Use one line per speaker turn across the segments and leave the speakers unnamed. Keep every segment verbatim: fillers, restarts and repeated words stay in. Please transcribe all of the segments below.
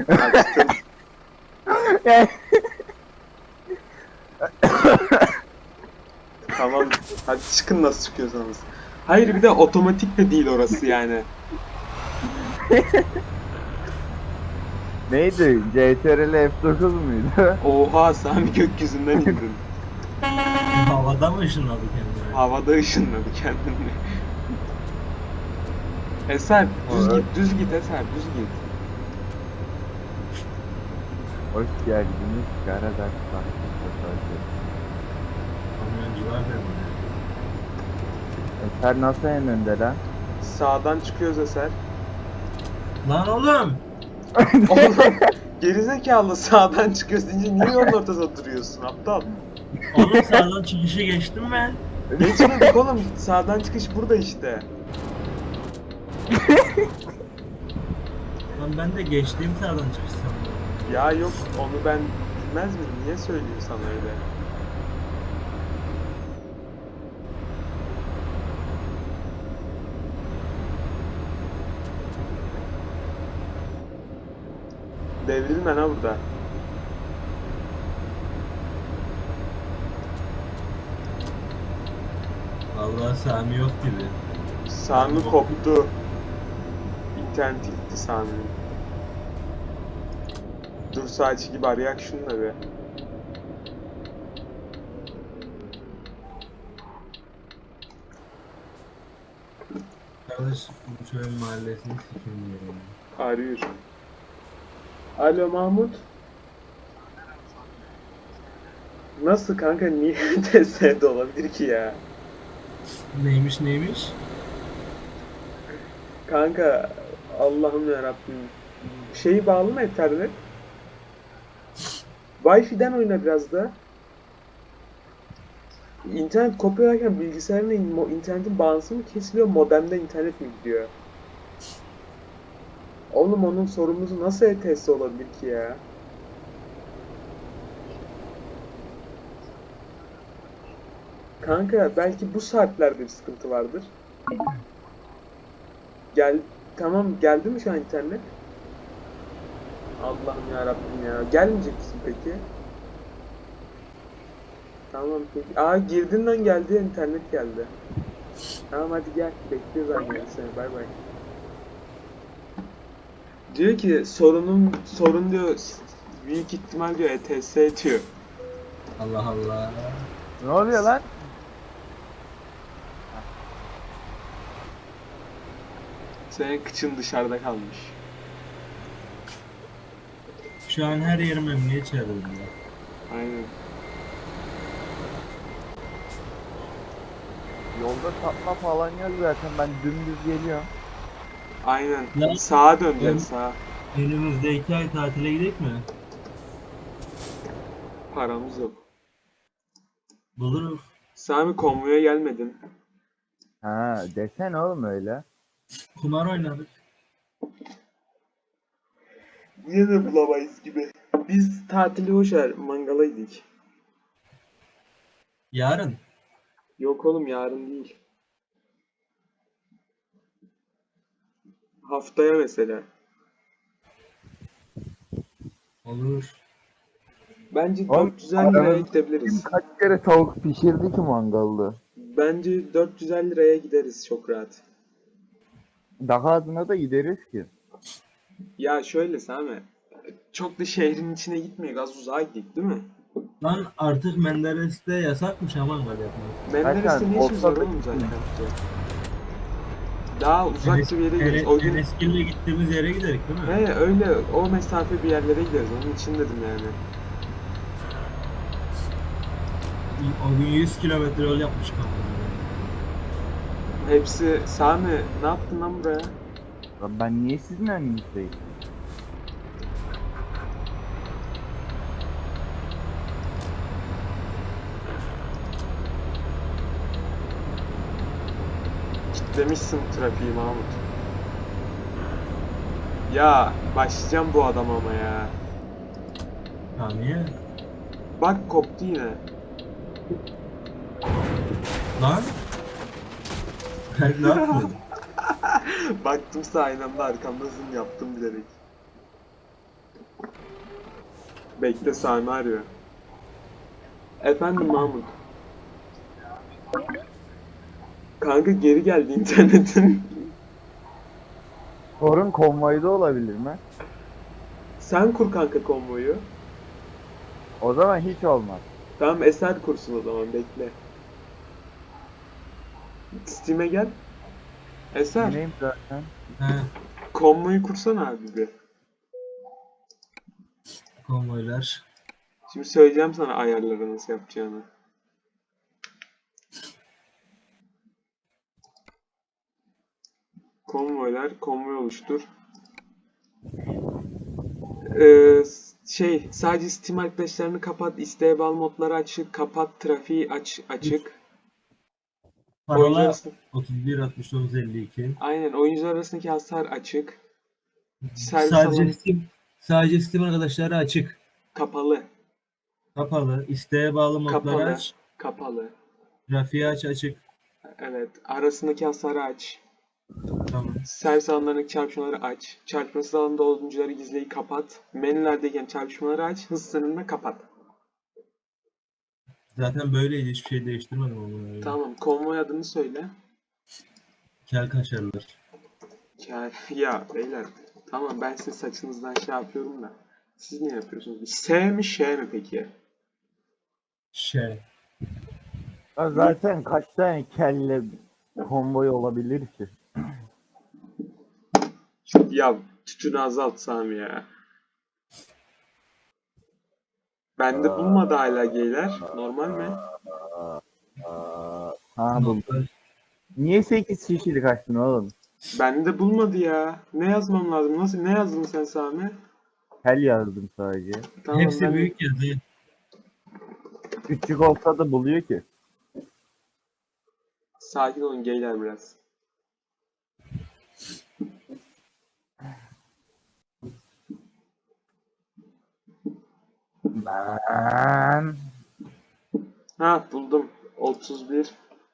Açtım.
Yani
Tamam. Hadi çıkın nasıl çıkıyorsanız. Hayır bir de otomatik de değil orası yani.
neydi? C T R L F dokuz muydu?
Oha Sami gökyüzünden indin.
Havada mı ışınladı kendini?
Havada ışınladı kendini. Eser düz git düz git Eser düz git.
Hoş geldiniz Karadağ Bahçe Sefası.
Kamyoncular da mı?
Eser nasıl en önde lan?
Sağdan çıkıyoruz Eser.
Lan oğlum!
Oğlum gerizekalı sağdan çıkıyoruz deyince niye yolun ortasında duruyorsun aptal?
Oğlum sağdan çıkışı geçtim ben.
Geçmedik oğlum sağdan çıkış burada işte.
Lan ben de geçtiğim sağdan çıkış sandım.
Ya yok onu ben bilmez miyim? Niye söylüyor sana öyle? Devrilme ha burada.
Vallahi Sami yok gibi.
Sami koptu. İnterneti gitti Sami'nin. Dur saati gibi arayak şunları be.
Kardeş bu çöyün mahallesini sikim diyorum.
Arıyor. Alo Mahmut. Nasıl kanka niye T S'de olabilir ki ya?
Neymiş neymiş?
Kanka Allah'ım yarabbim. Şeyi bağlı mı internet? Wi-Fi'den oyna biraz da. İnternet kopyalarken bilgisayarın mo- internetin bağlantısı mı kesiliyor, modemden internet mi gidiyor? Oğlum onun sorumlusu nasıl E T S olabilir ki ya? Kanka belki bu saatlerde bir sıkıntı vardır. Gel, tamam geldi mi şu an internet? Allah'ım ya Rabbim ya. Gelmeyecek misin peki? Tamam peki. Aa girdiğinden geldi internet geldi. Tamam hadi gel. Bekliyoruz anne seni. Bay bay. Diyor ki sorunun sorun diyor büyük ihtimal diyor E T S diyor.
Allah Allah.
Ne oluyor lan?
Senin kıçın dışarıda kalmış.
Şu an her yerim emniyet çağırıyor.
Aynen.
Yolda sapma falan yok zaten, ben dümdüz geliyorum.
Aynen.
Lan-
Sağa döneceksin
Lan-
sağa.
Önümüzde iki ay tatile gidelim mi?
Paramız yok.
Buluruz.
Sami konvoya gelmedin.
Ha desene oğlum öyle.
Kumar oynadık.
Yine de bulamayız gibi. Biz tatili boşver mangala gidik.
Yarın.
Yok oğlum yarın değil. Haftaya mesela.
Olur.
Bence
Oğlum,
dört yüz elli liraya
aranızda
gidebiliriz.
Kaç kere tavuk pişirdi ki mangalda?
Bence dört yüz elli liraya gideriz çok rahat.
Daha adına da gideriz ki.
Ya şöyle Sami. Çok da şehrin içine gitmeyek. Az uzağa gittik değil mi?
Lan artık Menderes'te yasakmış aman gel yapmak.
Menderes'te ne işimiz var
Osman'da
oğlum zaten?
gittim.
Daha uzak bir yere gideriz. O gün
Eneskil'le gittiğimiz yere giderik değil mi?
he öyle o mesafe bir yerlere gideriz. Onun için dedim yani.
O gün yüz kilometre yol yapmış kanka.
Hepsi Sami ne yaptın lan buraya?
Lan ben niye sizin önünüzdeyim?
Kitlemişsin trafiği Mahmut. Ya başlayacağım bu adam ama ya.
Ha niye?
Bak koptu yine.
Lan? ne yaptın?
Baktım sağ aynamda arkamda zoom yaptım bilerek. Bekle, Sami arıyor. Efendim Mahmut. Kanka geri geldi internetin.
Sorun konvoyda olabilir mi?
Sen kur kanka konvoyu.
O zaman hiç olmaz.
Tamam, Eser kursun o zaman, bekle. Steam'e gel. Eser,
Dinleyim zaten.
He,
konvoyu kursana abi bir.
konvoylar.
Şimdi söyleyeceğim sana ayarları nasıl yapacağını. Konvoylar, konvoy oluştur. Ee, şey, sadece Steam arkadaşlarını kapat, isteğe bağlı modları açık, kapat, trafiği aç, açık. Oyuncular
Parola
arasında,
otuz bir altmış dokuz elli iki.
aynen, oyuncular arasındaki hasar açık. Servis
Sadece
alanı
Steam, sadece Steam arkadaşları açık.
kapalı,
Kapalı. İsteğe bağlı modları
kapalı,
aç.
kapalı.
Trafiği aç açık.
Evet, arasındaki hasarı aç.
Tamam.
Servis alanlarındaki çarpışmaları aç. Çarpışmasız alanda oyuncuları gizleyi kapat. Menülerdeyken çarpışmaları aç. Hız sınırını kapat.
Zaten böyleydi. Hiçbir şey değiştirmedim ama.
Tamam, konvoy adını söyle.
Kel kaşarlar.
Ya, ya beyler, tamam ben sizin saçınızdan şey yapıyorum da. Siz ne yapıyorsunuz? S mi Ş mi peki?
Şey.
Ya zaten kaç tane kelle konvoy olabilir ki?
Ya tütünü azalt Sami ya. Bende bulmadı hala geyler. Normal mi?
Ha buldum. Niye sekiz kişilik açtın oğlum?
Bende bulmadı ya. Ne yazmam lazım? Nasıl? Ne yazdın sen Sami?
Kel yazdım sadece.
Tamam,
Hepsi
ben...
büyük yazı.
Küçük olsa da buluyor ki.
Sakin olun geyler biraz.
Ben...
Ha, buldum. otuz bir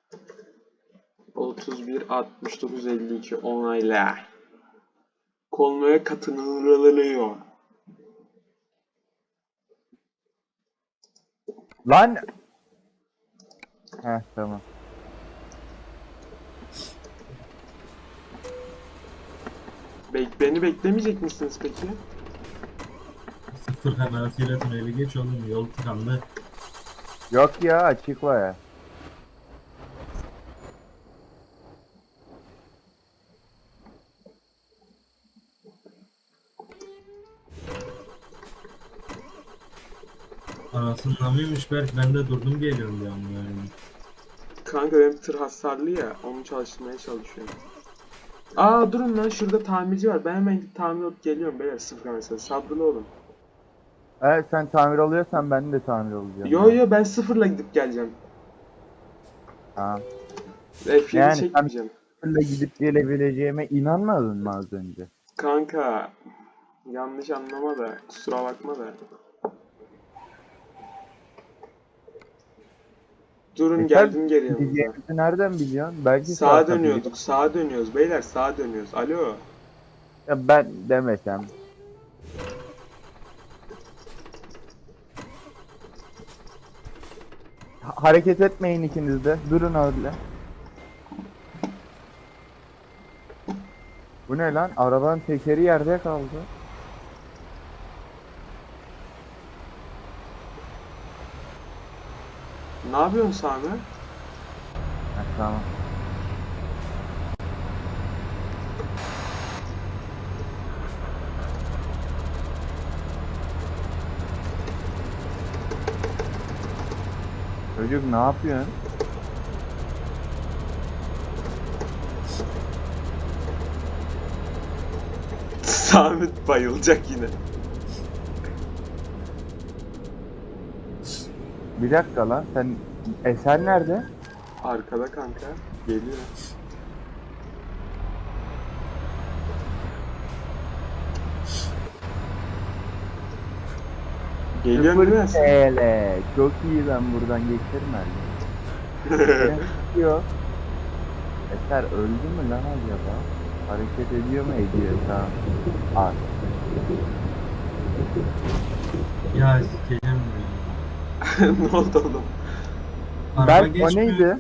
otuz bir altmış dokuz elli iki onayla. Konvoya katılıyor.
Lan! Heh tamam.
Bek beni beklemeyecek misiniz peki?
Sıfır kamerasıyla tüneli geç oğlum. Yol tıkandı.
Yok ya açık var ya.
Anasının mıymış Berk? Ben de durdum geliyorum ya. Yani.
Kanka benim tır hasarlı ya. Onu çalıştırmaya çalışıyorum. Aa durun lan, şurada tamirci var. Ben hemen gidip tamir alıp geliyorum beyler, sıfır mesela. Sabırlı olun.
Evet sen tamir oluyorsan ben de tamir olacağım.
Yo
ya.
yo, ben sıfırla gidip geleceğim.
Ha.
F yedi
Yani sen
çekmeyeceğim.
sıfırla gidip gelebileceğime inanmadın mı az önce?
Kanka yanlış anlama da, kusura bakma da. Durun,
E sen
geldim geri yanınıza.
gideceğimizi nereden biliyorsun? Belki
Sağa
sağa
dönüyorduk, sağa dönüyoruz beyler, sağa dönüyoruz. Alo.
Ya ben demesem. Ha- hareket etmeyin ikiniz de. Durun öyle. Bu ne lan? Arabanın tekeri yerde kaldı.
Ne yapıyorsun Sami?
Ha, tamam. Çocuk ne yapıyorsun?
Sami bayılacak yine.
Bir dakika lan sen Eser nerede?
Arkada kanka. Geliyor. Geliyor
Sıfır
değil mi?
T L. Çok iyi, ben buradan geçerim herhalde. Yok. Eser öldü mü lan acaba? Hareket ediyor mu? Ediyor, tamam. Al.
Ya sikeceğim ya.
Ne oldu oğlum?
Araba
Berk o
geçmiyor.
neydi?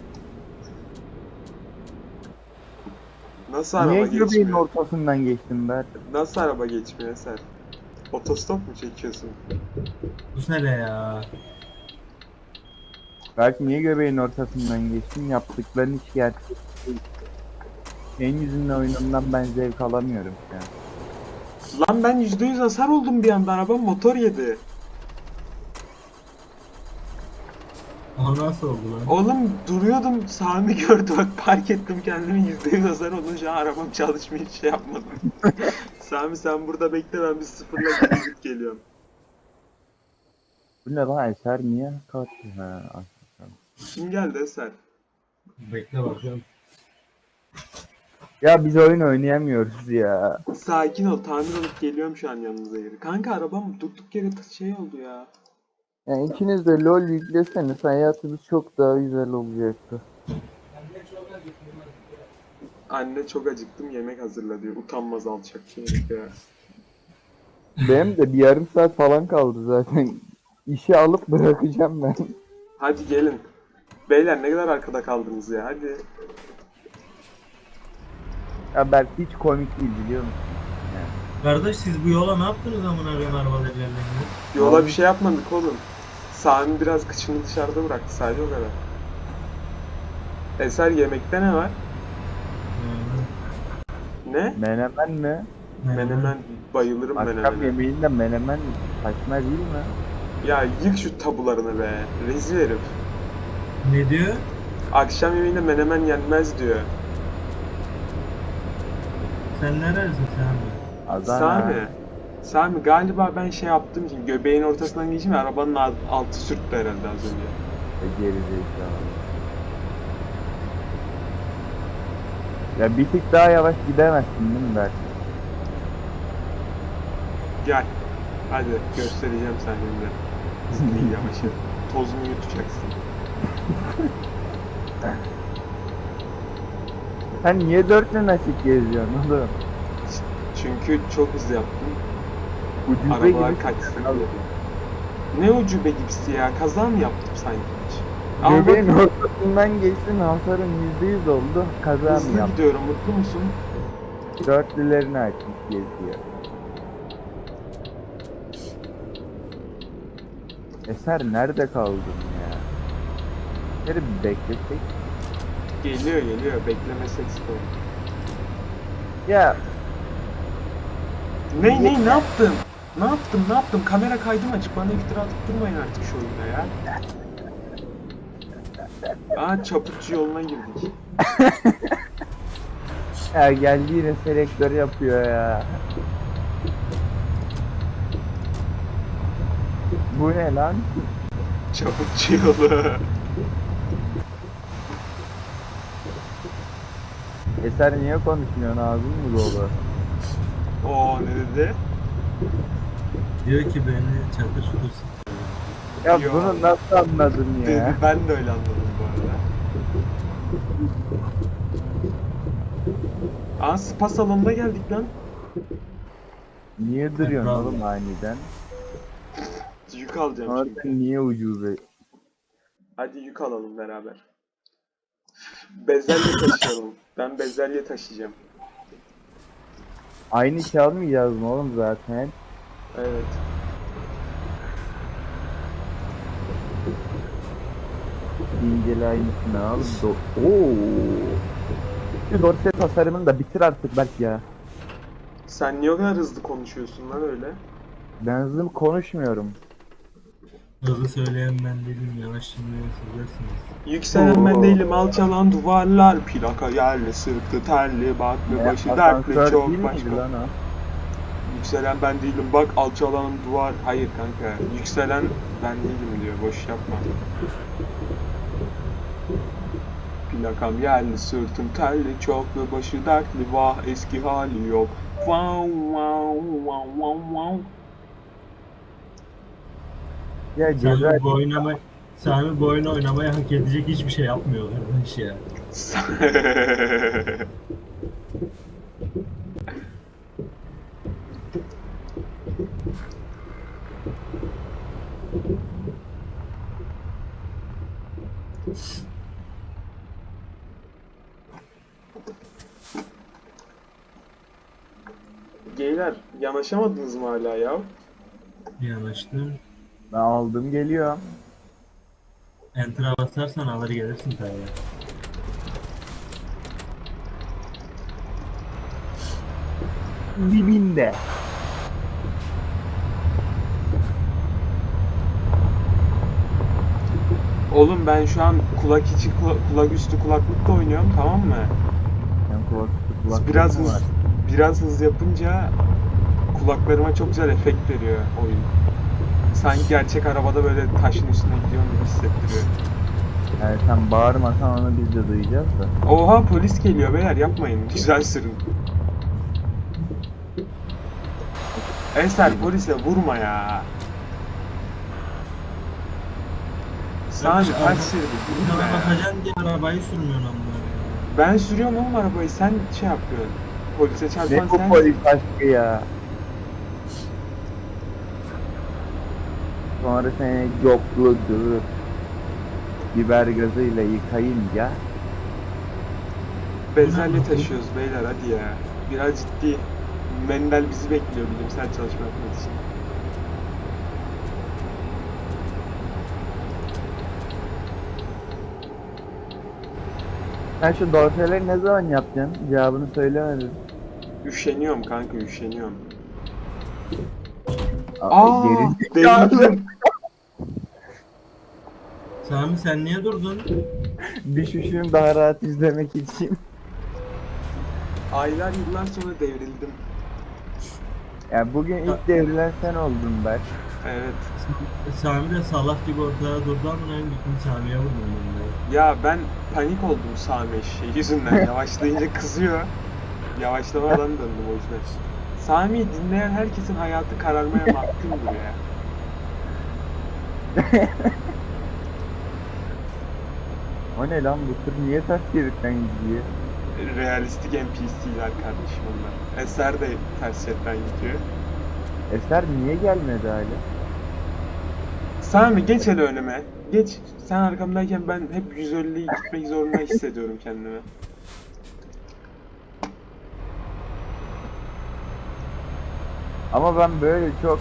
Nasıl
Niye
araba
göbeğin
geçmiyor?
ortasından geçtin Berk?
Nasıl araba geçmiyor Eser? Otostop mu çekiyorsun?
Bu ne ya?
Berk niye göbeğin ortasından geçtin? Yaptıkların hiç gerçek değil. Senin yüzünden oyunumdan ben zevk alamıyorum şu an.
Lan ben yüzde yüz hasar oldum bir anda, arabam motor yedi.
O nasıl oldu lan?
Oğlum duruyordum, Sami gördü, bak park ettim kendimi, yüzde yüz hasar olunca arabam çalışmıyor, hiç şey yapmadım. Sami sen burada bekle, ben bir sıfırla geri gidip geliyorum.
Bu ne lan Eser niye kalktı? Ha, aslında.
Kim geldi Eser?
Bekle bakıyorum.
Ya biz oyun oynayamıyoruz ya.
Sakin ol, tamir olup geliyorum şu an yanınıza geri. Kanka arabam durduk yere t- şey oldu ya.
Yani ikiniz de LoL yükleseniz hayatınız çok daha güzel olacaktı.
Anne çok acıktım, yemek hazırla diyor. Utanmaz alçak şey herif ya.
Benim de bir yarım saat falan kaldı zaten. İşi alıp bırakacağım ben.
Hadi gelin. Beyler ne kadar arkada kaldınız ya, hadi.
Ya Berk hiç komik değil biliyor musun?
Kardeş siz bu yola ne yaptınız amına koyayım arabalar yerlerine?
Yola bir şey yapmadık oğlum. Sami biraz kıçını dışarıda bıraktı, sadece o kadar. Eser yemekte ne var? Ne?
Menemen mi?
Menemen, bayılırım
Akşam
menemene.
yemeğinde menemen saçma değil mi?
Ya yık şu tabularını be, rezil herif.
Ne diyor?
Akşam yemeğinde menemen yenmez diyor.
Sen neredesin sen?
Adana.
Sami, Sami galiba ben şey yaptığım için göbeğin ortasından geçeyim, arabanın alt- altı sürttü herhalde az önce.
E, geri zekalı. Ya bir tık daha yavaş gidemezsin değil mi Berk?
Gel, hadi göstereceğim sen şimdi. Neyi yavaş yap. Tozunu yutacaksın.
Sen niye dörtlü nasip geziyorsun oğlum?
Çünkü çok hızlı yaptım.
Ucube
Arabalar
gibi
kaçsın
sıkıntı.
diye. Ne ucube gibisi ya, kaza mı yaptım sanki hiç? Ama bak,
Göbeğin ortasından geçtin hasarın yüzde yüz oldu. Kaza mı
hızlı
yaptın?
gidiyorum, mutlu musun?
Dörtlülerini açmış geziyor. Eser nerede kaldın ya? Eser'i bir beklesek.
Geliyor geliyor, beklemesek sıkıntı.
Ya
Ne ne ne yaptım? Ne yaptım ne yaptım? Kamera kaydım açık, bana iftira atıp durmayın artık şu oyunda ya. Aa, çaputçu yoluna girdik.
ya geldi yine selektör yapıyor ya. Bu ne lan?
Çaputçu yolu.
Eser niye konuşmuyorsun ağzın mı dolu?
Oo, ne dedi?
Diyor ki beni çatır tutursun.
Ya
Yo.
bunu nasıl anladın
Dedi,
ya?
ben de öyle anladım bu arada. Aa, spa salonuna geldik lan.
Niye duruyorsun
Bravo.
oğlum aniden?
Yük alacağım
Orada
şimdi.
niye ucube?
Hadi yük alalım beraber. Bezelye taşıyalım. Ben bezelye taşıyacağım.
Aynı şey almayacağız mı oğlum zaten?
Evet.
İncele aynısını al. Do Oo. Şu dorse tasarımını da bitir artık belki ya.
Sen niye o kadar hızlı konuşuyorsun lan öyle?
Ben hızlı konuşmuyorum.
Hızlı söyleyen ben değilim, yavaş şimdi söylüyorsunuz.
Yükselen ben
Oo.
değilim, alçalan duvarlar, plaka yerli, sırtı terli, baklı
Ne,
başı
asansör
dertli, çok
değil miydi
başka.
lan o?
Yükselen ben değilim, bak alçalan duvar, hayır kanka, yükselen ben değilim diyor, boş yapma. Plakam yerli, sırtım terli, çoklu başı dertli, vah eski hali yok. Wow wow wow wow wow.
Ya ceza
Sami bu oynama Sami bu oyunu oynamaya hak edecek hiçbir şey yapmıyor kardeş ya.
Yanaşamadınız mı hala ya?
Yanaştım.
Ben aldım geliyorum.
Enter'a basarsan alır gelirsin tabii.
Dibinde.
Oğlum ben şu an kulak içi kula- kulak üstü kulaklıkla oynuyorum, tamam mı?
Sen kulaklık kulaklık
Biraz
mı
hız,
var?
biraz hız yapınca kulaklarıma çok güzel efekt veriyor oyun. Sanki gerçek arabada böyle taşın üstüne gidiyorum gibi hissettiriyor.
Yani sen bağırmasan onu biz de duyacağız da.
Oha, polis geliyor beyler, yapmayın. Güzel sürün. Eser, polise vurma ya. Sami
Kardeş,
kaç
araba-
şeridi vurma
Bana
ya.
bakacaksın diye arabayı sürmüyorsun amına.
Ben sürüyorum oğlum arabayı, sen şey yapıyorsun. Polise çarpan
Ne bu
sen.
polis aşkı ya? Sonra seni yokladı. Biber gazıyla yıkayınca
Bezelye taşıyoruz beyler, hadi ya. Biraz ciddi. Mendel bizi bekliyor bilimsel çalışma yapmak için.
sen şu dorseleri ne zaman yapacaksın? Cevabını söylemedin.
Üşeniyorum kanka, üşeniyorum.
Aa,
Aa,
geri
devrildim.
Sami sen niye durdun?
düşüşünü daha rahat izlemek için.
Aylar yıllar sonra devrildim.
Yani bugün ilk devrilen sen oldun Berk.
Evet.
Sami de salak gibi ortada durdu ama en gittim Sami'ye vurdum ben de.
Ya ben panik oldum Sami eşeği yüzünden. Yavaşlayınca kızıyor. Yavaşlamadan döndüm o yüzden. Sami'yi dinleyen herkesin hayatı kararmaya mahkumdur ya.
O ne lan, bu tır niye ters şeritten gidiyor?
Realistik N P C'ler kardeşim onlar. Eser de ters şeritten gidiyor.
Eser niye gelmedi hala?
Sami geç hele önüme. Geç. Sen arkamdayken ben hep yüz elliyi gitmek zorunda hissediyorum kendimi.
Ama ben böyle çok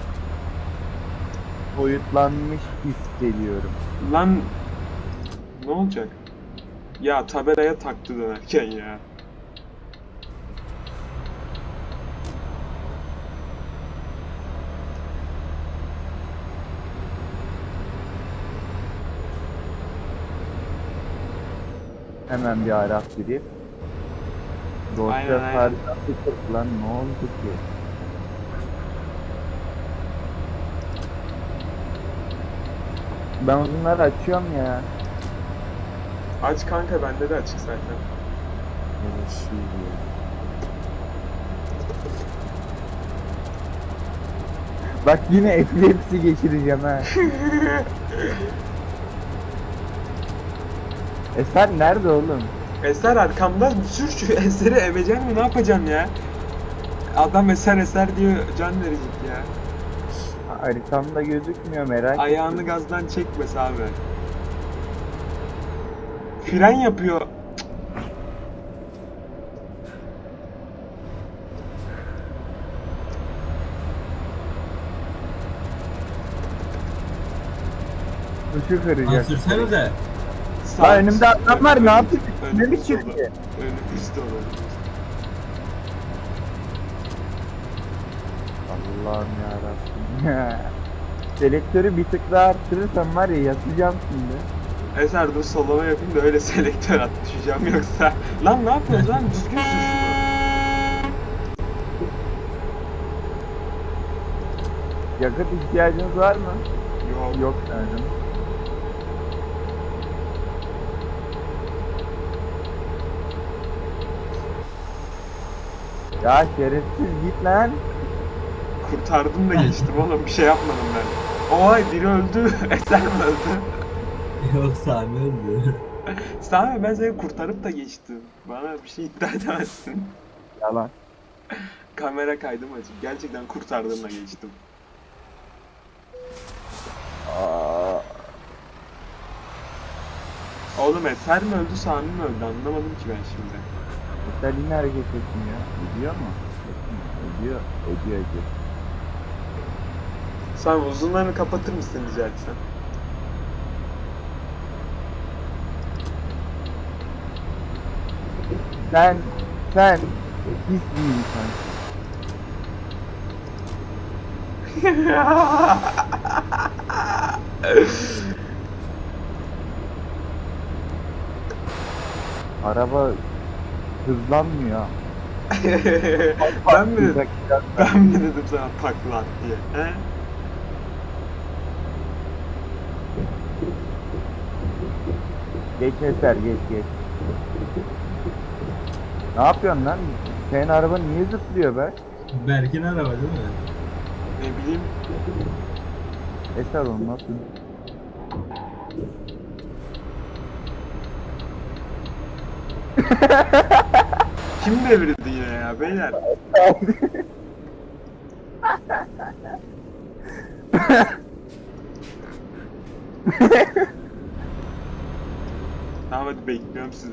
boyutlanmış hissediyorum.
Lan ne olacak? Ya tabelaya taktı dönerken ya.
Hemen bir Arap girip dosya
Aynen, aynen.
haritası kırk lan, ne oldu ki? Ben bunları açıyorum ya.
Aç kanka, bende de açık zaten.
Evet, iyi ya. Bak yine epilepsi geçireceğim ha. Eser nerede oğlum?
Eser arkamda, sür şu Eser'i, emeceksin mi, ne yapacaksın ya? Adam Eser Eser diyor, can verecek ya.
Haritamda gözükmüyor, merak
Ayağını
ettim.
gazdan çekme abi. Fren yapıyor.
Işığı
Lan
kıracak.
sürsenize.
Sağ-
Lan önümde adam var, ne
önümüz-
yapayım? Ne
önümüz
mi çıktı?
dolu. Önümüz dolu.
Allah'ım yarabbim. Selektörü bir tık daha arttırırsam var ya, yatacağım şimdi.
Eser dur sollama yapayım da öyle selektör at, düşeceğim yoksa. Lan ne yapıyorsun lan, düzgün sür şunu.
Yakıt ihtiyacınız var mı?
Yok.
Yok sanırım. Ya şerefsiz git lan.
Kurtardım da geçtim oğlum, bir şey yapmadım ben. Oy, biri öldü. Eser mi öldü?
Yok Sami öldü.
Sami, ben seni kurtarıp da geçtim. Bana bir şey iddia edemezsin.
Yalan.
Kamera kaydım açık. Gerçekten kurtardım da geçtim.
Aa,
Oğlum Eser mi öldü, Sami mi öldü, anlamadım ki ben şimdi.
Mesela yine hareket etmiyor. Ediyor mu? Etmiyor. Ediyor. Ediyor ediyor.
Sen uzunlarını kapatır mısın rica etsem?
Sen, sen pis bir insansın. Araba hızlanmıyor.
ben mi dedim?
Bak, biraz daha-
Ben mi dedim sana takla at diye? He?
Geç Eser, geç geç. Ne yapıyorsun lan? Senin araba niye zıplıyor be?
Berk'in araba değil mi?
Ne bileyim.
Eser onu nasıl?
Kim devirdi yine ya beyler? Tamam hadi bekliyorum sizi.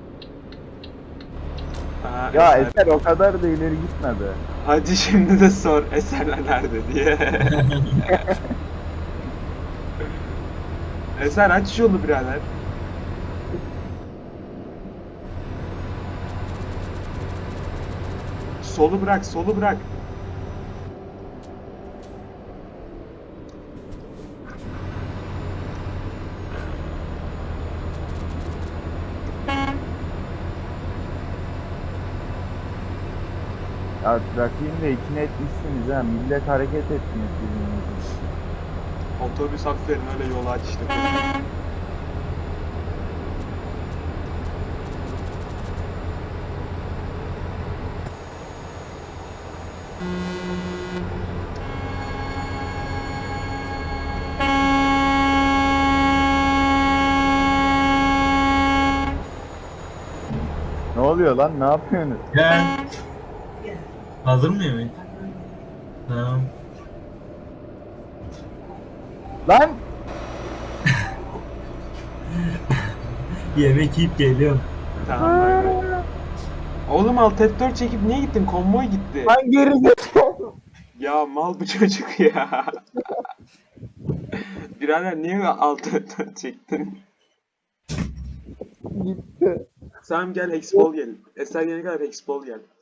Aa,
Ya
Eser.
Eser o kadar da ileri gitme be.
Hadi şimdi de sor Eserler nerede diye. Eser aç yolu birader. Solu bırak, solu bırak.
Ya trafiğin de içine etmişsiniz ha. Millet hareket etmiyor sizin yüzünüzden.
Otobüs aferin öyle yolu aç işte.
Ne oluyor lan? Ne yapıyorsunuz?
Gel. Hazır mı yemek? Tamam.
Lan!
Yemek yiyip geliyorum.
Tamam bay bay. Oğlum alt F dört çekip niye gittin? Konvoy gitti.
Lan gerizekalı!
Ya mal bu çocuk ya. Birader niye alt F dört çektin?
Gitti.
Sen gel Hexball gel. Eser gelene kadar Hexball gel.